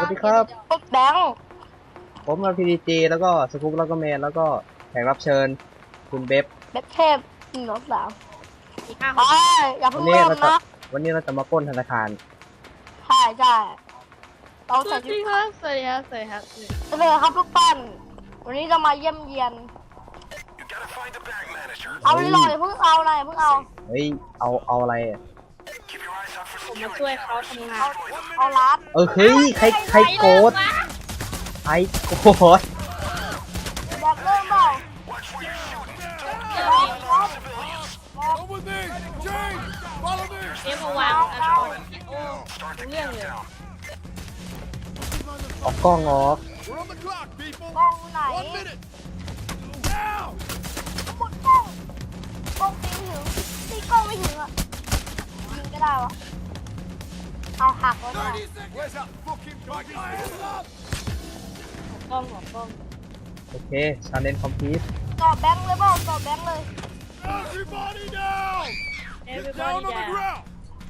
ดีครับแบงค์ผมมาพีดีจีแล้วก็สกู๊ปแล้วก็แมนแล้วก็แขกรับเชิญคุณเบฟเบ็บเทพ1 2 3 อีก5 ไปอย่าวัเพิ่นงนี้เริ่มเราจะนะวันนี้เราจะมาปล้นธนาคารใช่ใช่เราสใส่วัสชุดีดครับสวัสดีครับสวัสดีครับเลยครับทุกท่านวันนี้จะมาเยี่ยมเยียนเอาเลยอย่าเพิ่งเอาอะไรเพิ่งเอาเฮ้ยเอาอะไรอะผมมาช่วยเขาทำงานเอาลัดเฮ้ยใครโกรธใครโกรธอยากเริ่มเปล่า Over there! James! Follow me! เอฟมาวางโอ้เรื่องเลยออกกล้องออก We're on the clock, people! กล้องไหน 1 minute! Now! หมดกล้องกล้องตีถึงตีกล้องไม่ถึงอ่ะยิงก็ได้วะเอาหักไว้ก่อน 30 seconds! Where's that fucking clock? Hands up! กล้องหัวกล้องโอเคชาเลนคอมพลีทต่อแบงค์เลยเปล่าต่อแบงค์เลย Everybody down! เอฟ Get บอ down ดี้ on ดา the ground!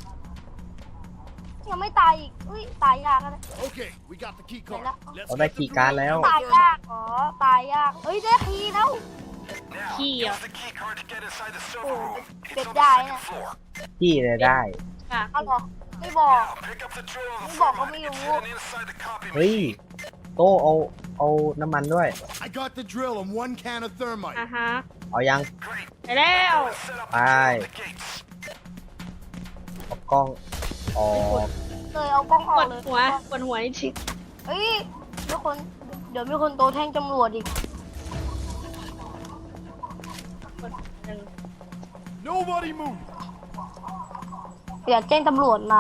ยังไม่ตายอีกอุ้ยตายยากนะ Okay, we got the key card. Let's เราได้ get the คีย์การ์ด drill แล้วตายยากเหรอตายยากเฮ้ยได้คีย์แล้วขี้อ่ะโอ้เก็บได้นะที่เลยได้ค่ะเอาเหรอไม่บอกไม่บอกก็ไม่รู้เฮ้ยโตเอาน้ำมันด้วย I got the drill and 1 can of thermite. ฮะเอายังไปแล้วไปออกกล้องออกเลยเอากล้องอปอวกดเลยหัวนี่ชิเฮ้ยมีคนเดี๋ยวมีคนโตแท่งตำรวจอีก Nobody move! อย่าแจ้งตำรวจนะ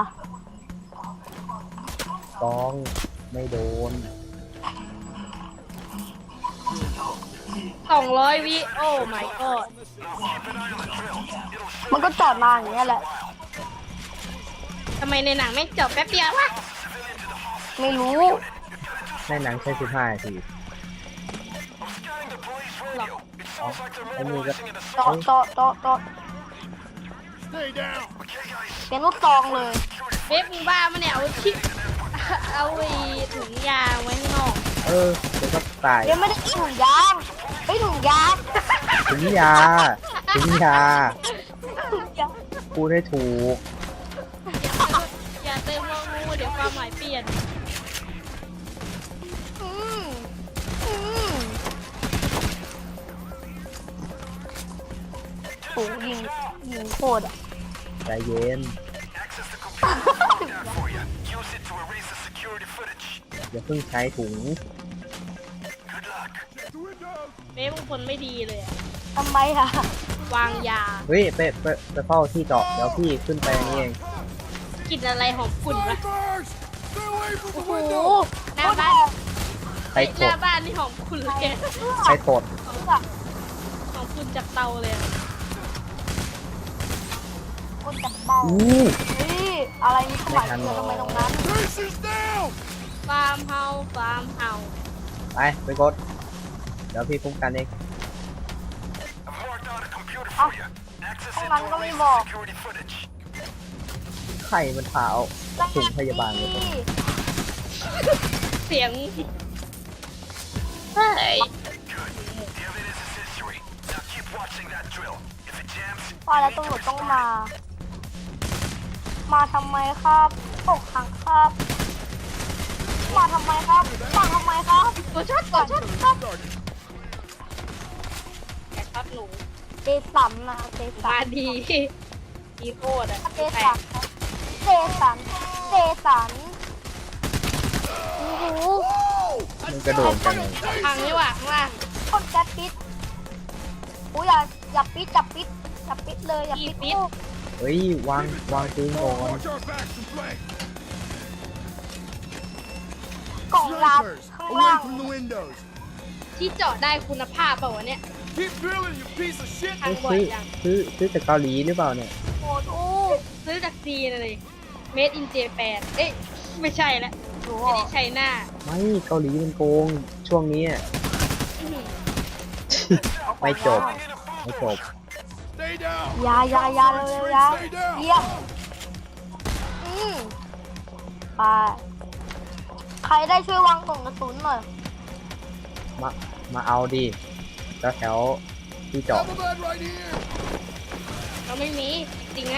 กล้องไม่โดน 200 วิโอ้ my god มันก็จอดมาอย่างเงี้ยแหละทำไมในหนังไม่จบแป๊บเดียววะไม่รู้ในหนังใช้15 นาทีหรอไอ้นี่ก็จอด Stay down! เป็นลูกซองเลยเบฟมึงบ้ามันเนี่ยเอาที่เอาไอ้ถุงยางไว้ข้างนอกเดี๋ยวก็ตายเดี๋ยวไม่ได้ถุงยางไม่ถุงยางถึงยาถึงยาถุงยางพูดให้ถูกอย่าเติมว่างูเดี๋ยวความหมายเปลี่ยนอืมอืมโอ้ยิงโคตรอ่ะใจเย็น อย่าเพิ่งใช้ถุงเบฟมึงคนไม่ดีเลยอะทำไมอ่ะวางยาเฮ้ยไปเฝ้าที่เจาะเดี๋ยวพี่ขึ้นไปนี่เองกลิ่นอะไรหอมขุ่นวะ Snipers! Stay away from โอ้ the โห window! หน้าบ้านใครหตน้าดบ้านนี่หอมขุ่นเลยใครตดหอมขุ่นจากเตาเลยอะคนจับเบาอู้เฮ้ยอะไรมีสมัยเกิดทำไมตรงนั้น Traces down! ฟาร์มเฮาฟาร์มเฮาไปกด เดี๋ยวพี่คุ้มกันเองเอ้าตรงนั้นก็ไม่บอกใครมันพาเอาถุงพยาบาลไปตรงเสียงเฮ้ยว่าแล้วตำรวจต้องมา มาทำไมครับอกหักครับ มาทำไมครับ มาทำไมครับตัวช็อตตัวช็อตครับแกครับหนูเจสันนะเจสัมาน ดีดีโคตรอะเจสันเจสันเจสันโอ้โหมันกระโดดกันพังนี่หว่าข้างล่างคนแก๊สปิดอุ้ยอย่าปิดเลยอย่าปิดลูกเฮ้ยวางปืนก่อน Watch our backs and flank! กล่องลับ Snipers! ข้างล่า Away ง from the windows! ที่เจาะได้คุณภาพเปล่าวะเนี่ย Keep drilling, you piece of shit! ทางบ่อยจังซื้อจากเกาหลีหรือเปล่าเนี่ยโอ้โหซื้อจากจีนเลย Made in Japan เอ๊ะไม่ใช่แล้วดูไม่ได้ใช้หน้าไม่เกาหลีมันโกงช่วงนี้อะไม่จบ Stay down! ยาเร็วๆยาเยี่ยมไปใครได้ช่วยวางกล่องกระสุนหน่อยมาเอาดิแล้วแถวที่จอด Double that right here. เราไม่มีจริงนะ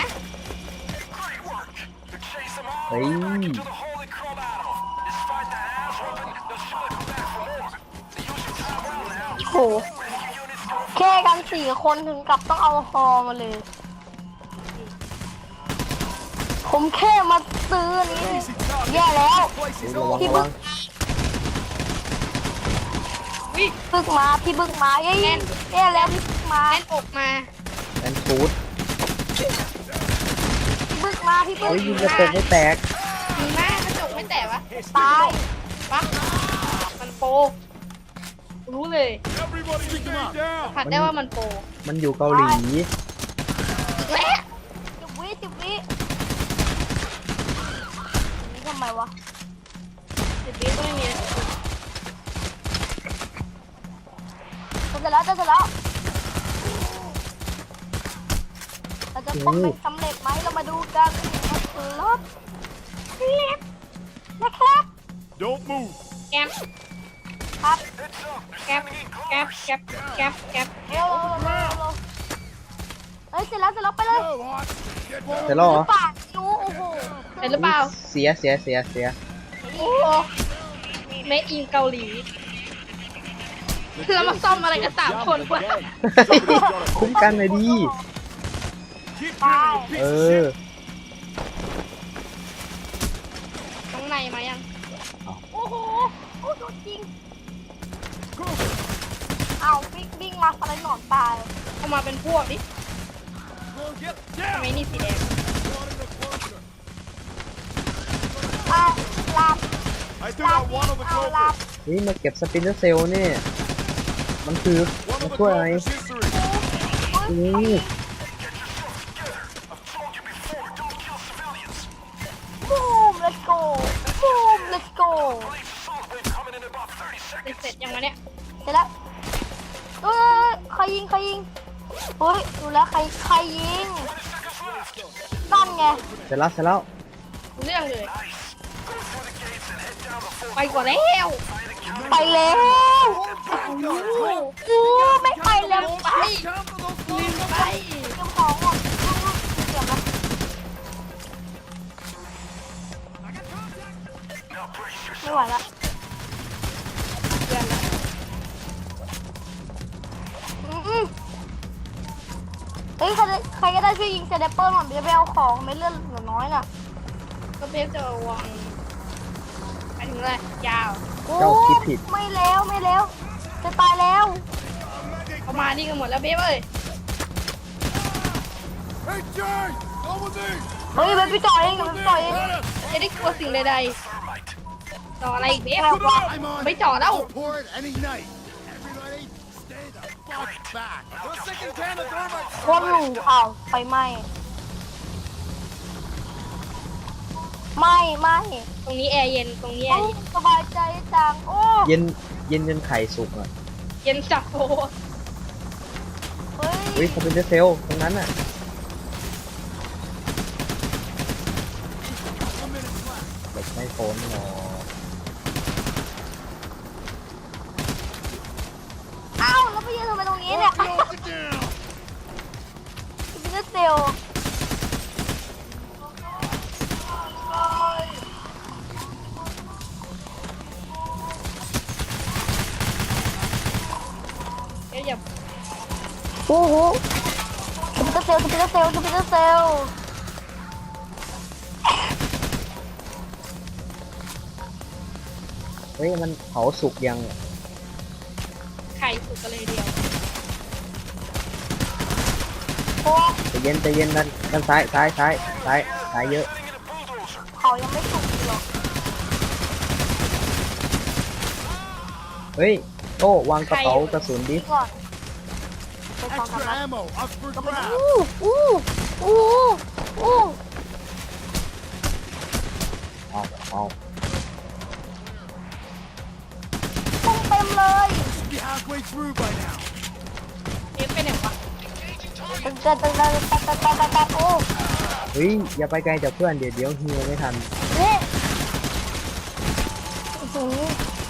เฮ้ยโหแค่กัน4 คนถึงกับต้องเอาฮอมาเลย ผมแค่มาซื้ออันนี้แย่แล้ว Place is ระ on. วังระวังวิบึกมาพี่บึกมาแย่แย่แล้วพี่บึกมาแน่นอกมาแอนฟูดพี่บึกมาพี่บึเฮ้กยยิงกระจกไม่แตกมีหน้ากระจกไม่แตกวะตายปั๊บมันโปรรู้เลย Everybody stay down. ผัดได้ว่ามันโปรมันอยู่เกาหลีและ 10 วินี่ทำไมวะ 10 วิก็ไม่มีจะเสร็จแล้วจะเสร็จแล้วเราจะป้องกันสำเร็จไหมเรามาดูกันนะครับนะครับ Don't move. แกมครับแกมแกมแกมแกมแกมเร็วเฮ้ยเสร็จแล้วไปเลย No, Hot. Get เสร็จแล้วเหรอปากรู้โอ้โหเป็นหรือเปล่าเสียโอ้โหเมคอินเกาหลีเรามาซ่อมอะไรกัน3 คนวะคุ้มกันหน่อยดี Keep ตาย drilling, you เอ piece of อ shit. น้องในมายังโอ้โหโอ้โหจริงเอาบิ้งมาอะไรหนอนตายเข้ามาเป็นพวกดิ Get ทำไม down. นี่สีแดง Brought in the closer. อ่ะหลับ I do หลับ not one of the เอาหลับ clovers. นี่มาเก็บสปินเนอร์เซลนี่ มันคือ One มา of the ช่วยอะไร clovers history. นี่บูม let's go บูม let's go เสร็จยังวะเนี่ยเสร็จแล้วใครยิงเฮ้ยดูแล้วใครยิงนั่นไงเสร็จแล้วเรื่องเลย ไปก่อนแล้วไปแล้วไม่ไปแล้วไปลืมไปเก็บของหมดเก็บนะไม่ไหวละเดือนละเฮ้ยใครก็ได้ช่วยยิงเซเดเปอร์หน่อยจะไปเอาของไม่เลื่อนเหลือน้อยน่ะก็เบฟจะวางไปถึงอะไรยาวโอ้ไม่แล้วจะตายแล้วเขามานี่กันหมดแล้วเบฟเอ้ย Hey, Jay! Over there! เฮ้ยมันไปจ่อยเอง Over มันไป there! จ่อยเองจะได้กลัวสิ่งใดๆต่ออะไรอีกเบฟเอาว่ะ I'm on. ไม่จ่อแล้ว Report any night. Everybody, stay the fuck back. The second can of thermite. โคตรหลูอ้าวไฟไหม้ไม่ตรงนี้แอร์เย็นตรงนี้แอโอ้ร์เย็นสบายใจจังโอ้เย็นจนไข่สุกอ่ะเย็นจับโอ้เฮ้เฮ้ยยสปินเนอร์เซลตรงนั้นอ่ะ เด็กไม่พ้นหรอกอ้าวแล้วไปยืนทำไมตรงนี้เนี่ย Close it down. บินเซลเอ๊ะอย่าโอ้โหสปินเซลเฮ้ย มันเผาสุกยังไข่สุกกันเลยเดียวโอ้ใจเย็นด้านซ้ายเยอะเขายังไม่สุกหรอกเฮ้ย โต้วางกระเป๋ากระสุนดิก่อนไปฟังกัน Extra นะ ammo up for grabs. อู้เอาต้องเต็มเลย Be halfway through by now. เบฟไปไหนวะตึงโอ้เฮ้ย อย่าไปไกลจากเพื่อนเดี๋ยวฮิวไม่ทันนี่หือ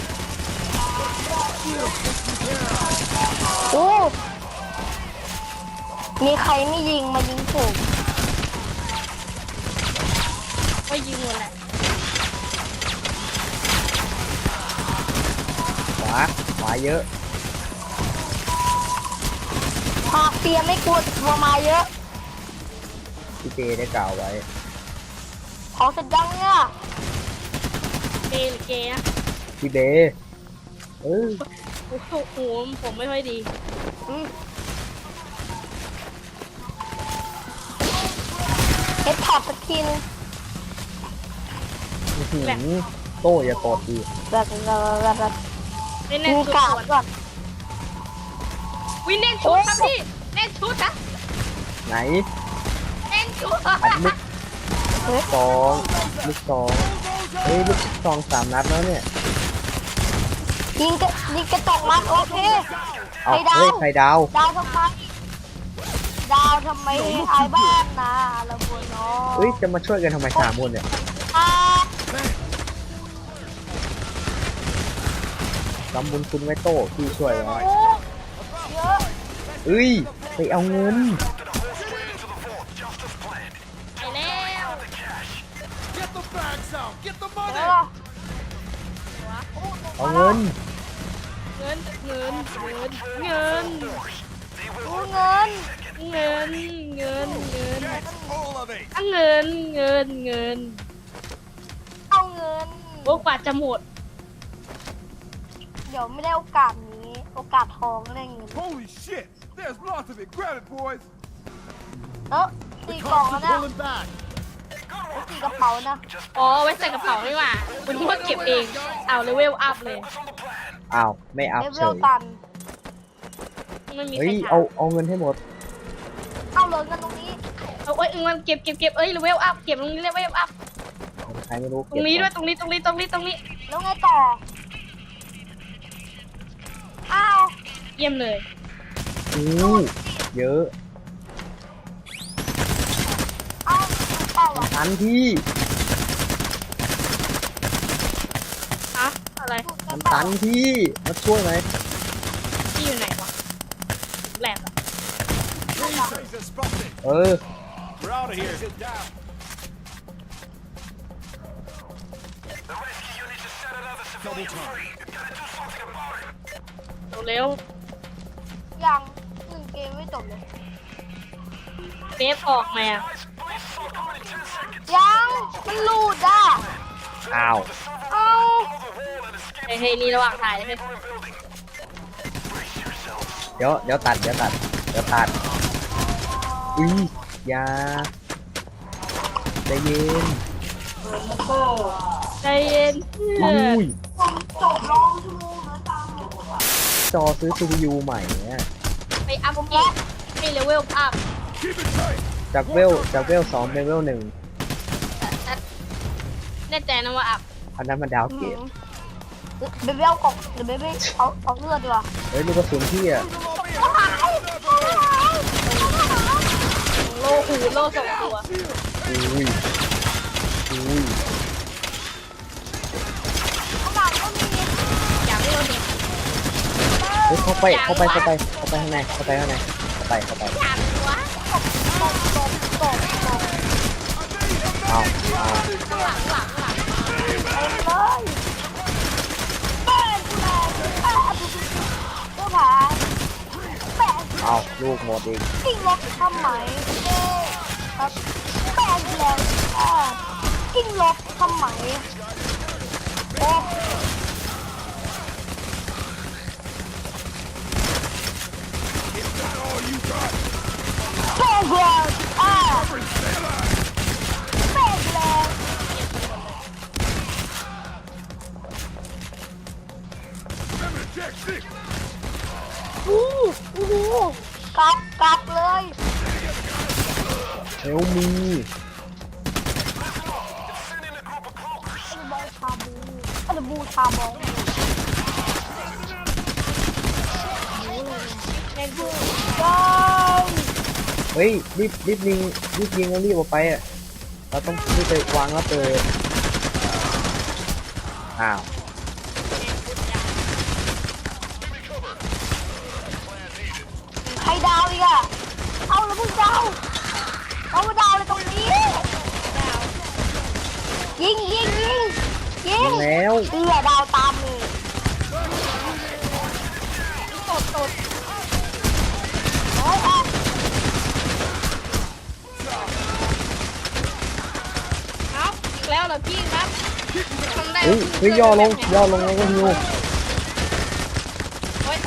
โอ้มีใครไม่ยิงมายิงผมก็ยิงหมดแหละขวาเยอะหากเปียไม่กลัวตัวมาเยอะพี่เจได้กล่าวไว้ของเสร็จยังเนี่ยเกย์หรือเกย์นะพี่เบเออโอ้โหผมไม่ค่อยดีอืมเฮ็ดถอดสักทีนึงอื้อหือโต้อย่ากดดีแบบเล่นแน่นมีชุดกาสดวนก่อนวินเน่นชุดครับพี่เน่นชุดนะไหนเน่นชุดอัดลูกเฮ้ยสองลูกสองเฮ้ยลูกซอง3 นัดแล้วเนี่ยยิงกระจกมันโอเคเอาไข่ดาวเฮ้ยไข่ดาวดาวทำไมดาวทำไมอายบ้านนะละบัวน้องเฮ้ยจะมาช่วยกันทำไม3 คนเนี่ยอ่าทำบุญคุณไว้โต้พี่ช่วยไว้โอ้เยอะเอ้ยไปเอาเงินไปแล้ว Get the bags out. Get the เย money. อะเอาเงินเงินเงินเงินเงินดูเงินเงินเงินเงิน Get all of it. เงินเงินเงินเอาเงินโอ้กว่าจะหมดเดี๋ยวไม่ได้โอกาสนี้ โอกาสทองได้เงิน Holy shit. There's lots of it. Grab it, boys. เออตีกล่อง Cops แล้ว are นะ pulling back. ตีกระเป๋านะอ๋อไว้ใส่กระเป๋าไม่หว่าคุณว่าเก็บเองเอาเลเวลอัพเลยอ้าวไม่อัพเลเวเฉลยตันไม่มีเฮ้ใครยถาเอามเงินให้หมดเอาเลยเงินตรงนี้เอาเอ้ยมันเก็บเอ้ยเลเวลอัพเก็บตรงนี้เลเวลอัพใครไม่รู้ตรงนี้ด้วยตรงนี้ตรงนี้ตรงนี้ตรงนี้แล้วไงต่อ อ้าวเยี่ยมเลยอู้เยอะเอาเปล่าอ่ะทันที่อะอะไรถูกกมัระนเป๋าตันที่มาช่วยไหมที่อยู่ไหนวะแหลกอะ Jesus spotted. เออ We're out of here. Sit down. เร็วยังหนึ่งเกมไม่จบเลยเบฟออกมาอะยังมันหลุดอ่ะอ้าวเอาเฮ้ยนี่ระหว่างถ่ายเลยเฮ้ยเดี๋ยวตัดอุ้ยอยาใจเย็นใจเย็นอุ้ยจบร้องชั่วโมงแล้วตามหนูจอซื้อ CPU ใหม่เนี่ยไปอัพเกรดให้เลเวลอัพ Keep it tight. จากเวล2เป็นเวล1 แน่ใจนะว่าอัพอันนั้นมันดาวเกตเบบี้เอากล่องเดี๋ยวเบบี้เอาเลือดดีกว่าเฮ้ยลูกกระสุนพี่อะโลหูโลสองตัวอุ้ยข้างหลังก็มีอยากให้เราเห็นเฮ้ยเข้าไปข้างในเข้าไปอยากวะตกเอาหลังไปเลยแป้งกูแรงแป้งก็ผ่านแป้งเอาลูกหมดอีกกิ้งลบทำไมเอ๊ะครับแป้งกูแรงกิ้งลบทำไมโอ้ All you got. แป้งกูแรงแป้งกูแรง Remember to check six. อู้หูกลับเลยเฮลมีอันบูชาบองเล่นผู้ว้าวเฮ้ยรีบยิงแล้วรีบออกไปอ่ะเราต้องรีบไปวางแล้วเปิดอ้าวรดาวอีกอะเอาแล้วมึงดาวเอามาดาวเลยตรงนี้ยิงแล้วดาวตามมือตดโอ้ยเอาอีกแล้วเหรอพี่ครับทำได้เฮ้ยย่อลงแล้วก็ฮิวโอ๊ย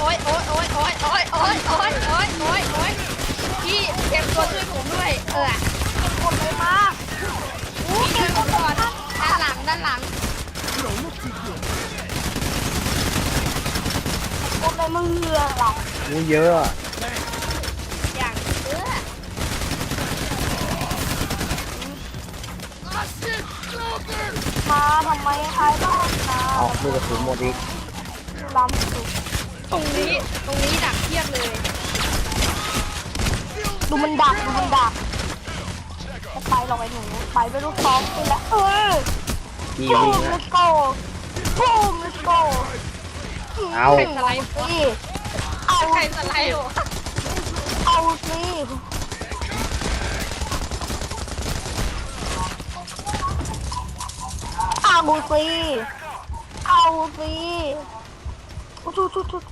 พี่เตรียมตัวช่วยผมด้วยกดเลยมาอู้พี่เก่งช่วยผมก่อนด้านหลัง You don't look too good. กดเลยมึงเหงื่อหรองูเยอะอะอย่างเอื้อมาทำไมใช้บ้างนะเอาลูกกระสุนหมดอีกล้ำสุดตรงนี้ดักเทียบเลยดูมันดักจะไปหรอกไอ้หนูไปไม่รู้ซ้อมไปแล้วดีบูวิ่งมอะ let's go บูม let's go เอาสไลด์สิเอาใครสไลด์เหรอเอาสิเอาสิเอาสิชุด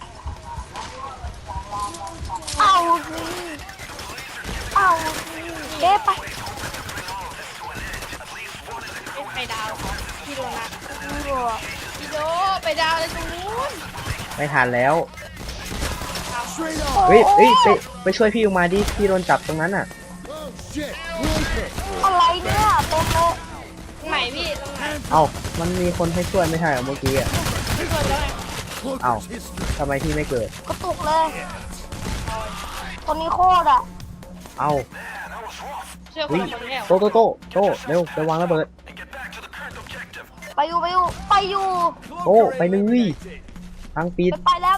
เอาสิเอาสิเด้ไปไปดาวพี่โดนะดูพี่โดไปดาวเลยตรงนู้นไม่ทันแล้ว Straight on. เฮ้ยไปช่วยพี่ออกมาดิพี่โดนจับตรงนั้นอ่ะ Oh shit. Rupert. อะไรเนี่ยเต็มเลยตรงไหนพี่ตรงไหนเอ้ามันมีคนให้ช่วยไม่ใช่เหรอเมื่อกี้อ่ะพี่โดนแล้วไง Cloaker's history. ทำไมพี่ไม่เกิดกระตุกเลยตัวนี้โคตรอ่ะเอ้าเชื่อคเฮ้นยละคนแล้วโตเร็วไปวางระเบิดไปอยู่โตไปเลยทางปิดไปแล้ว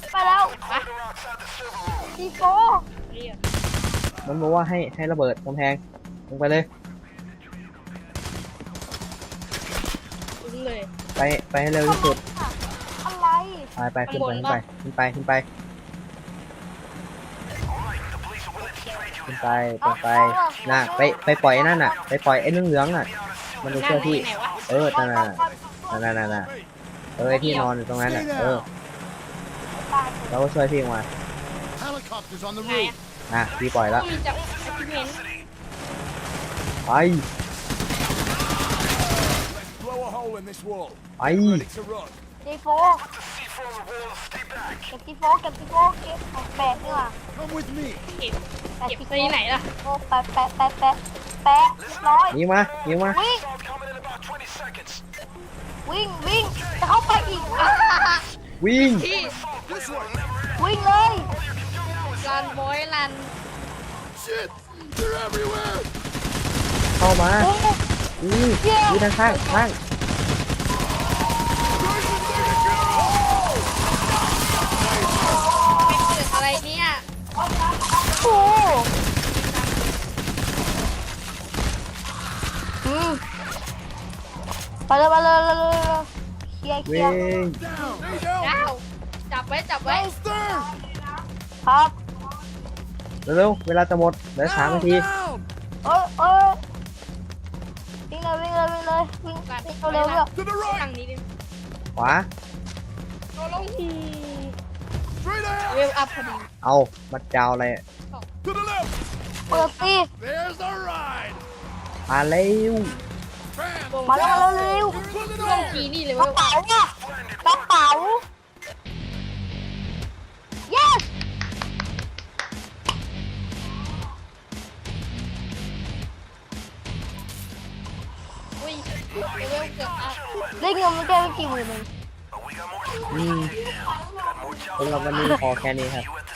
ทีโฟเรียกมันบอกว่าให้ระเบิดกำแพงลงไปเลยถึงเลยไปให้เร็วที่สุดอะไรไปขึ้นไปตรงไปน่ะไปปล่อยไอ้นั่นน่ะไปปล่อยไอ้เหลืองๆน่ะมันดูเชื่อพี่ไหนวะนั่นน่ะไอ้ที่นอนอยู่ตรงนั้นน่ะเราก็ช่วยพี่ออกมา Helicopters on the ไหน roof. นะพี่ปล่อยแล้วมีจากที่เห็นไป Blow a hole in this wall. ไป Ready to run. ทีโฟเก็บทีโฟเก็บแปะนี่ว่ะ Come with me. เก็บที่ไหนล่ะโอ้แปะเรียบร้อยยิงมาวิ่งจะเข้าไปอีกวิ่งพี่ This way. วิ่งเลยรันบอยรัน Shit. They're everywhere. เข้ามาโอ้ยืนข้างไม่เกิดอะไรเนี่ยโหไปเลยเคลียร์วิ่ง Down. There you go. ดาวจับไว้ Holster. ครับเร็วๆเวลาจะหมดเหลือ3 นาที Down. วิ่งเลยเร็วๆ To the ทาง right. นี้ดิขวาโดนลง Straight เว ahead. ลอัพพอดีเอามัดยาวอะไร To the left. เปิดสิ There's the ride. มาเร็ว Bam. มาแล้วเร็ว Put it ลง on. ทีนี่เลยกเว้ระยเป๋าเนี่ยกระเป๋า yes อุ้ยเวลเกือบอัพได้เงินมันแค่ไม่กี่หมื่นเองสำหรับวันนี้พอแค่นี้ครับ